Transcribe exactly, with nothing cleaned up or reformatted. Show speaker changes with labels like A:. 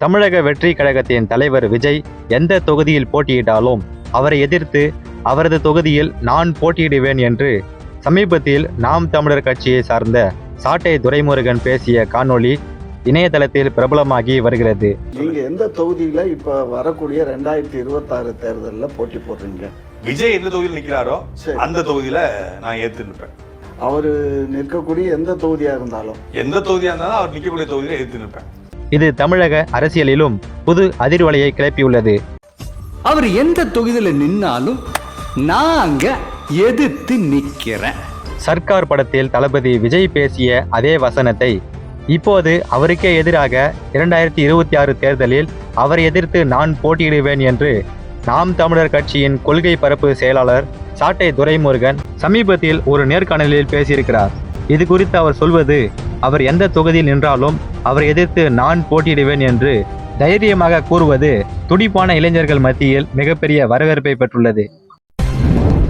A: தமிழக வெற்றி கழகத்தின் தலைவர் விஜய் எந்த தொகுதியில் போட்டியிட்டாலும் அவரை எதிர்த்து அவரது தொகுதியில் நான் போட்டியிடுவேன் என்று சமீபத்தில் நாம் தமிழர் கட்சியை சார்ந்த சாட்டை துரைமுருகன் பேசிய காணொளி இணையதளத்தில் பிரபலமாகி வருகிறது.
B: நீங்க எந்த தொகுதியில இப்ப வரக்கூடிய ரெண்டாயிரத்தி இருபத்தி ஆறு தேர்தலில் போட்டி போடுறீங்க?
C: விஜய் எந்த தொகுதியில் நிற்கிறாரோ அந்த தொகுதியில நான் ஏற்று நிற்பேன்.
B: அவரு நிற்கக்கூடிய எந்த தொகுதியா இருந்தாலும்
C: எந்த தொகுதியா இருந்தாலும் அவர் நிற்கக்கூடிய தொகுதியில எதிர்த்து நிற்பேன்.
A: இது தமிழக அரசியலிலும் புது அதிர்வலையை கிளப்பியுள்ளது.
D: அவர் எந்த தொகுதியில நின்னாலும் நான் அங்க எதிர்த்து நிக்கிறேன்.
A: சர்க்கார் படத்தில் தளபதி விஜய் பேசிய அதே வசனத்தை இப்போது அவருக்கே எதிராக இரண்டாயிரத்தி இருபத்தி ஆறு தேர்தலில் அவரை எதிர்த்து நான் போட்டியிடுவேன் என்று நாம் தமிழர் கட்சியின் கொள்கை பரப்பு செயலாளர் சாட்டை துரைமுருகன் சமீபத்தில் ஒரு நேர்காணலில் பேசியிருக்கிறார். இது குறித்து அவர் சொல்வது, அவர் எந்த தொகுதியில் நின்றாலும் அவரை எதிர்த்து நான் போட்டியிடுவேன் என்று தைரியமாக கூறுவது துடிப்பான இளைஞர்கள் மத்தியில் மிகப்பெரிய வரவேற்பை பெற்றுள்ளது.